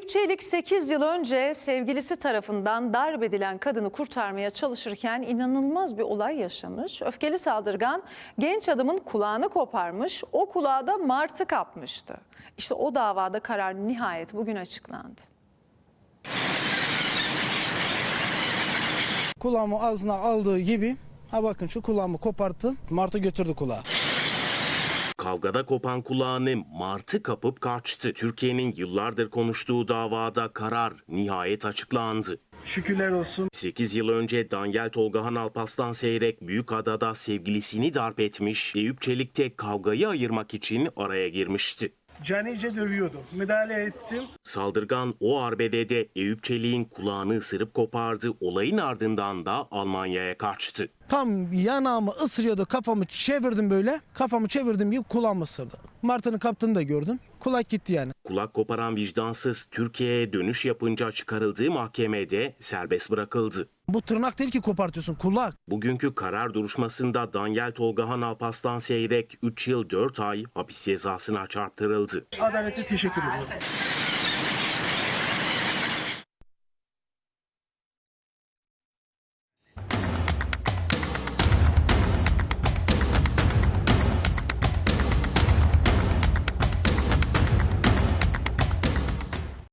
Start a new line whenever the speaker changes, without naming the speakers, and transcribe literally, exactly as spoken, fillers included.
Eyüp Çelik sekiz yıl önce sevgilisi tarafından darp edilen kadını kurtarmaya çalışırken inanılmaz bir olay yaşamış. Öfkeli saldırgan genç adamın kulağını koparmış, o kulağı da martı kapmıştı. İşte o davada karar nihayet bugün açıklandı.
Kulağımı ağzına aldığı gibi, ha bakın şu kulağımı koparttı, martı götürdü kulağı.
Kavgada kopan kulağını martı kapıp kaçtı. Türkiye'nin yıllardır konuştuğu davada karar nihayet açıklandı.
Şükürler olsun.
sekiz yıl önce Danyal Tolgahan Alparslan Seyrek Büyükada'da sevgilisini darp etmiş, Eyüp Çelik de kavgayı ayırmak için araya girmişti.
Canice dövüyordu. Müdahale ettim.
Saldırgan o arbedede Eyüp Çelik'in kulağını ısırıp kopardı. Olayın ardından da Almanya'ya kaçtı.
Tam yanağımı ısırıyordu, kafamı çevirdim böyle. Kafamı çevirdim gibi kulağımı ısırdı. Martının kaptığını da gördüm. Kulak gitti yani.
Kulak koparan vicdansız Türkiye'ye dönüş yapınca çıkarıldığı mahkemede serbest bırakıldı.
Bu tırnak değil ki kopartıyorsun, kulak.
Bugünkü karar duruşmasında Danyal Tolgahan Alparslan Seyrek üç yıl dört ay hapis cezasına çarptırıldı.
Adalete teşekkür ediyorum.